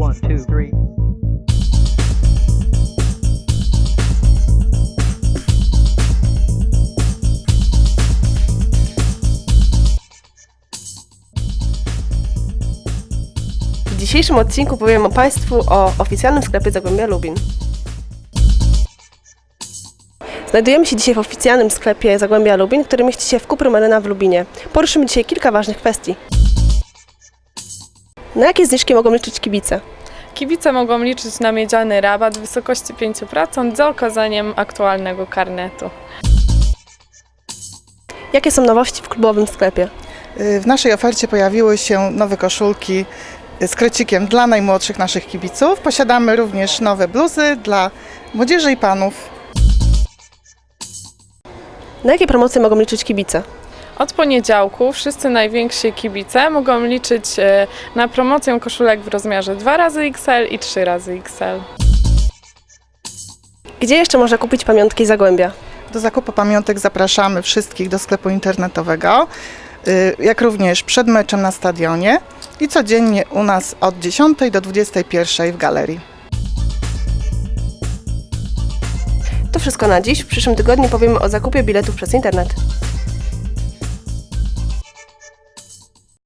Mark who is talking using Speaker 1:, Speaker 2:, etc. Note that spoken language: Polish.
Speaker 1: One, two, three.
Speaker 2: W dzisiejszym odcinku powiem Państwu o oficjalnym sklepie Zagłębia Lubin. Znajdujemy się dzisiaj w oficjalnym sklepie Zagłębia Lubin, który mieści się w Cuprum Arena w Lubinie. Poruszymy dzisiaj kilka ważnych kwestii. Na jakie zniżki mogą liczyć kibice?
Speaker 3: Kibice mogą liczyć na miedziany rabat w wysokości 5% za okazaniem aktualnego karnetu.
Speaker 2: Jakie są nowości w klubowym sklepie?
Speaker 4: W naszej ofercie pojawiły się nowe koszulki z krecikiem dla najmłodszych naszych kibiców. Posiadamy również nowe bluzy dla młodzieży i panów.
Speaker 2: Na jakie promocje mogą liczyć kibice?
Speaker 3: Od poniedziałku wszyscy najwięksi kibice mogą liczyć na promocję koszulek w rozmiarze 2xXL i 3xXL.
Speaker 2: Gdzie jeszcze można kupić pamiątki Zagłębia?
Speaker 4: Do zakupu pamiątek zapraszamy wszystkich do sklepu internetowego, jak również przed meczem na stadionie i codziennie u nas od 10 do 21 w galerii.
Speaker 2: To wszystko na dziś. W przyszłym tygodniu powiemy o zakupie biletów przez internet.